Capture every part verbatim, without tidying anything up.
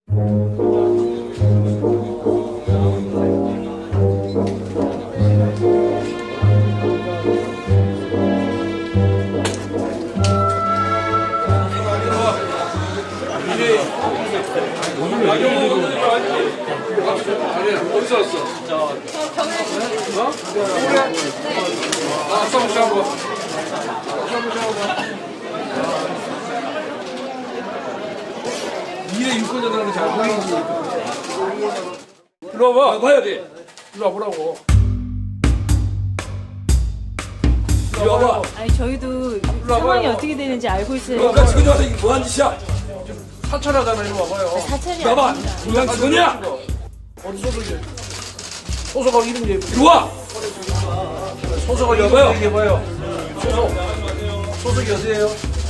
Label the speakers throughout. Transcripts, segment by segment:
Speaker 1: 어디서 왔어? 저 경례. 어? 그래? 아, 싸움 싸움. 싸움 싸움. 미래 유권자들은 잘 보이지. 일로 와봐.
Speaker 2: 봐야 돼.
Speaker 1: 일로 와보라고.
Speaker 2: 일로 와봐.
Speaker 3: 아니 저희도 상황이 어떻게 되는지 알고 있어요.
Speaker 2: 그러니까 지금 와서 이게 뭐한 짓이야?
Speaker 1: 사찰하잖아. 일로 와봐요.
Speaker 3: 사찰이
Speaker 2: 봐봐.
Speaker 3: 아닙니다.
Speaker 2: 그냥 직원이야.
Speaker 1: 어디 소속이? 소속하고 이름 얘기해.
Speaker 2: 이리 와.
Speaker 1: 소속하고 이름
Speaker 2: 여보요?
Speaker 1: 얘기해봐요. 소속. 소속이 어디예요?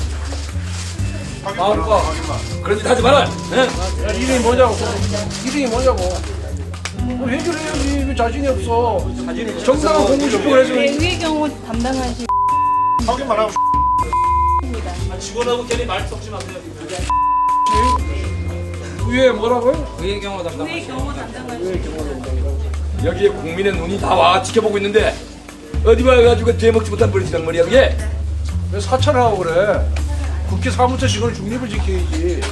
Speaker 1: 마을과.
Speaker 2: 그런 짓 하지 마라. 예?
Speaker 1: 야, 이름이 뭐냐고. 이름이 뭐냐고. 뭐 해결해야지. 왜 자신이 없어. 정당한 공무집행 해서.
Speaker 3: 네, 의회 경호 담당하신
Speaker 4: 확인만 하고
Speaker 3: 입니다.
Speaker 2: 직원하고 괜히 말 섞지 마세요.
Speaker 1: 위에 뭐라고요?
Speaker 3: 의회 경호 담당하신
Speaker 2: 여기에 국민의 눈이 다 와 지켜보고 있는데 어디 와가지고 되먹지 못한 버릇이란 말이야 그게?
Speaker 1: 왜 사찰을 하고 그래? 국회 사무처 직원은 중립을 지켜야지.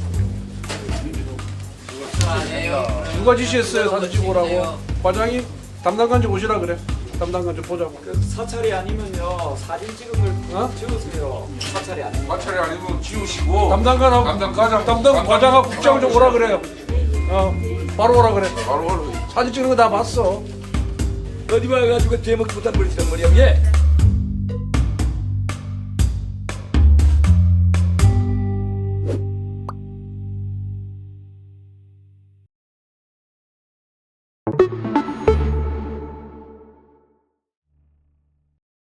Speaker 1: 누가 지시했어요? 사진 찍고 오라고. 과장이 담당관 좀 오시라 그래. 담당관 좀 보자고.
Speaker 5: 사찰이 아니면요 사진 찍음을
Speaker 1: 어?
Speaker 5: 찍으세요. 사찰이 아니면
Speaker 6: 마찰이 아니면 지우시고
Speaker 1: 담당관하고
Speaker 6: 담당 과장
Speaker 1: 담당 과장하고 국장 좀 오라 그래요. 어, 바로 오라 그래.
Speaker 6: 바로
Speaker 1: 사진 찍는 거 다 봤어.
Speaker 2: 어디 와가지고 되먹지 못한 버릇이란 말이야 그게?